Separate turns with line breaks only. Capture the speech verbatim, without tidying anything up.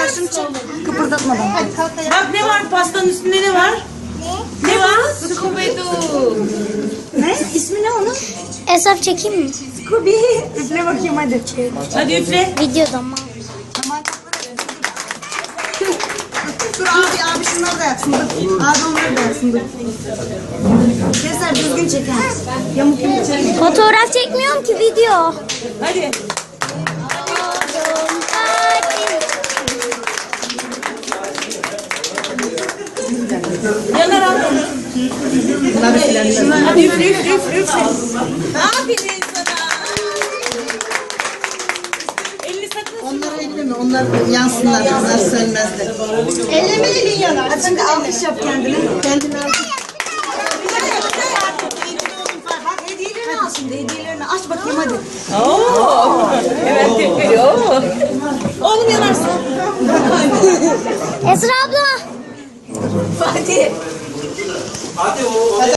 şunu çek. Kıpırdatmadan.
Bak ne var pastanın üstünde ne var? Ne? Ne var? Scooby-Doo.
Ne? İsmi ne onun?
Hesap çekeyim mi?
Scooby. Üfle bakayım hadi.
Hadi üfle.
Videoda mı?
Dur abi abi şunları da yapsın. Dur. Abi onları da yapsın. Dur. Keser düzgün çeker. Yamuk yamuk çeker.
Fotoğraf çekmiyorum ki video.
Hadi. Yanar al. Hadi üfle üfle üfle üfle. Aferin sana. Elini sakın.
Onları elleme. Onlar yansınlar. Onlar sönmezler. Elleme elin yanar. Hadi şimdi alkış yap kendine. Kendine alkış. Bak hediyelerini al şimdi. Hediyelerini aç bakayım hadi.
Oo. Evet üflüyor. Oğlum yanarsın.
Esra abla.
Hadi.
Hadi o.